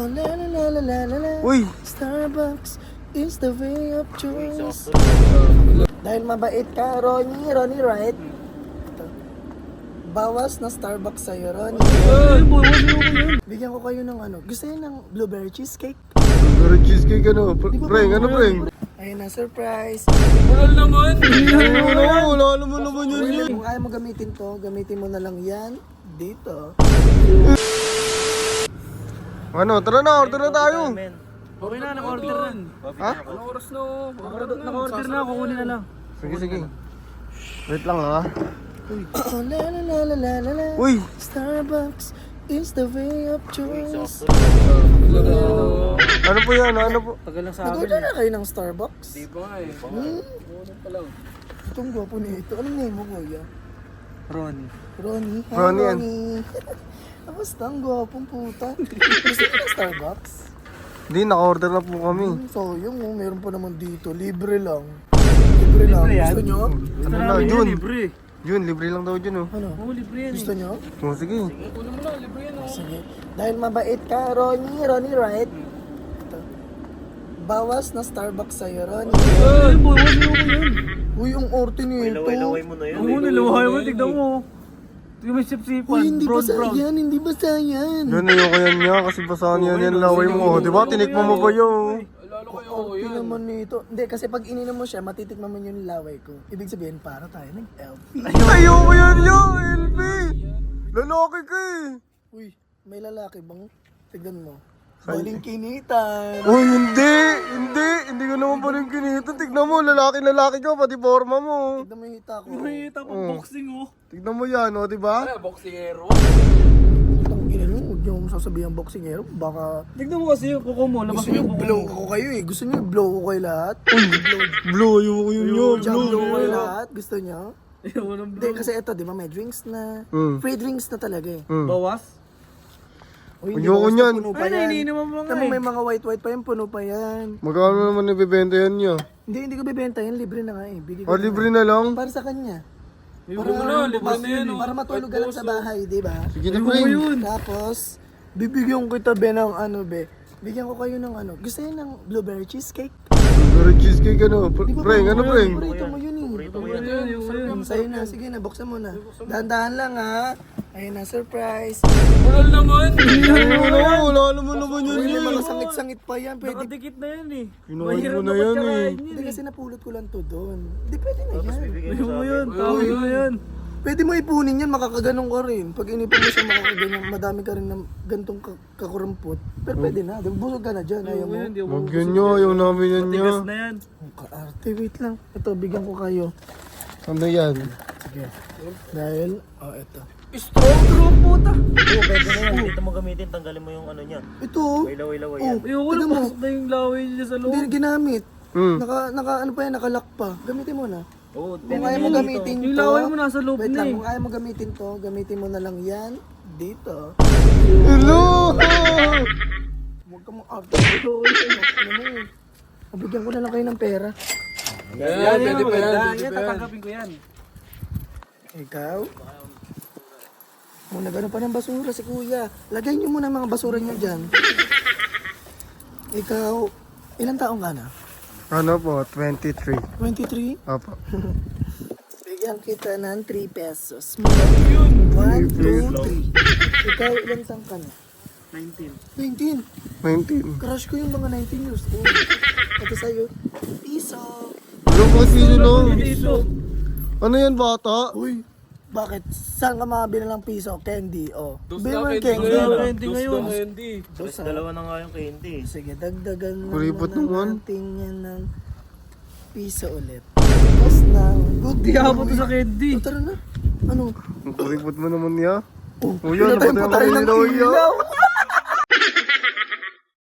Oh, la la la la la la la. Uy! Starbucks is the way of choice. Dahil mabait ka, Ronnie, right? Ito. Bawas na Starbucks sa'yo, Ronnie. Bigyan ko kayo ng ano. Gusto niyo ng blueberry cheesecake? Blueberry cheesecake ano? Preng, ano preng? Ayun na, surprise. Wala naman. Wala naman yun. Kung ayaw mo gamitin to, gamitin mo na lang yan dito. Ano, tara na, order na tayo. Okay na, naka-order na. Ha? Ano oras na? Naka-order na, kukunin na lang. Sige, sige. Wait lang ha. Oh, la la la la la la la. Uy! Starbucks is the way of choice. Ano po yan? Ano po? Tagal lang sa akin. Nag-order na kayo ng Starbucks? Di ba nga eh. Kukunin pa lang. Itong gwapo nito. Anong name mo, kuya? Ronnie. Ronnie. Hi, Ronnie yan. Ronnie. Kamusta? Ang gwapong puta. Gusto mo ng Starbucks? Hindi, naka-order na po kami. Sayang oh, meron pa naman dito. Libre lang. Libre lang. Libre yan? Gusto nyo? Ano na, Jun? Libre. Jun, libre lang daw Jun oh. Ano? Oo, libre yan Gusto nyo? Oh, sige. Kunin mo na, libre yan oh. Sige. Dahil mabait ka, Ronnie, right? Ito. Bawas na Starbucks sa'yo, Ronnie. Ay, boy, wala mo yan. Uy, ang orte nito. Laway mo na yun. Oo, nilawahay mo, tignan mo. Tignan mo yung sip-sipan. Uy, hindi Brown, basa brown. yan, hindi basa yan. Yan, ayoko yan niya kasi basahan yan laway mo. Di ba? Tinikmo mo ba yun? Lalo kayo Orte naman nito. Hindi, kasi pag ininom mo siya, matitikman mo yung laway ko. Ibig sabihin, para tayo nag-LP. Ayoko yan niya, LP! Lalaki ka eh! Uy, may lalaki bang? Tignan mo. Baling kinitan. Uy, hindi ko naman pa rin kinita. Tignan mo, lalaki ka, pati forma mo. Tignan mo yung hita ko. Nakita pa boxing oh. Tignan mo yan, o, di ba? Wala, boxingero. Itang ina nyo, huwag nyo akong sasabihan boxingero. Baka Tignan mo kasi yung kuko mo. Labas gusto mo nyo yung kuko blow mo. ko kayo eh. Gusto nyo blow ko kayo lahat? Blue, ayoko yun yun, Jump blue. blow ko kayo lahat? Gusto nyo? Ayaw ng Hindi, kasi ito, di ba, may drinks na. Mm. Free drinks na talaga eh. Bawas? Uy, Ayoko bawas na niyan. Puno pa Ay, yan. iniinom mo nga Tama, eh. may mga white pa yan, puno pa yan. Magkano naman ibibenta yan niya? Hindi ko bibenta yan, libre na nga eh. Bigay ko O, na. libre na lang? Para sa kanya. Libre mo na, libre na yan oh. Para matulog ka lang sa bahay, di ba? Sige na, Frank. Tapos, bibigyan kita be ng ano be. Bigyan ko kayo ng ano. Gusto niyo ng blueberry cheesecake? Blueberry cheesecake ano? Di ba Frank, ano Frank? Paborito mo yun eh. Sa'yo na, sige na, buksan mo na. Dahan-dahan lang ha. Ayun na, surprise. Wala naman. Wala naman yun Uy, may yun. mga sangit-sangit pa yan. Pwede. Nakadikit na yan eh. Kinain Mahirap mo na dapat yan kakain eh. Hindi kasi napulot ko lang to doon. Hindi pwede na yan. Ayaw mo yun, tawag mo yan. Pwede mo ipunin yan, makakaganong ka rin. Pag inipon mo siya, makakaganong, madami ka rin ng gantong kakurampot. Pero pwede na, di ba? Busog ka na dyan, ayaw mo. Hindi ako Huwag yun nyo, ayaw namin yan niya. tigas na yan. Ang kaarte, wait lang. Ito, bigyan ko kayo. Ano yan? Sige. Dahil, ito. Strong puta. Oo, pwede na yan. Dito mo gamitin, tanggalin mo yung ano niya. Ito, oh. Laway-laway Oh, yan. Ayoko na, tignan mo. pasok na yung laway niya sa Hindi loob. na ginamit. Hmm. Ano pa yan, nakalock pa. Gamitin mo na. Oo, Kung ayaw mo gamitin Yung to, laway mo nasa loob wait na lang, eh. kung ayaw mo gamitin to, gamitin mo na lang yan dito. Hello! Huwag ka mong arte. Ano mo? Mabigyan ko na lang kayo ng pera. Yan, pwede pa yan. Yan, tatanggapin ko yan. Ikaw? Muna gano'n pa ng basura si kuya. Lagay niyo muna mga basura niyo dyan. Ikaw, ilang taong ka na? Ano po, 23. 23? Apo. Bigyan kita ng 3 pesos. 1, 2, 3. Ikaw, ilang taong ka na? 19. 19. 19. Crush ko yung mga 19 years old. Ito sa'yo, piso. Ano ba sino no? Dito. Ano yan bata? Uy, bakit? Saan ka makabili ng piso? Candy, oh. Dos Bili na mo ng candy candy. ngayon. no? Dos ngayon. na candy. Dos, ah. Dalawa na nga yung candy. Sige, dagdagan Kuripot naman naman. natin yan ng piso ulit. Tapos ng good Di ako to sa candy. Tara na. Ano? Ang kuripot mo naman niya. Oh, Oh, yan, pinatay napatay mo ang tayo ng ilaw, ilaw.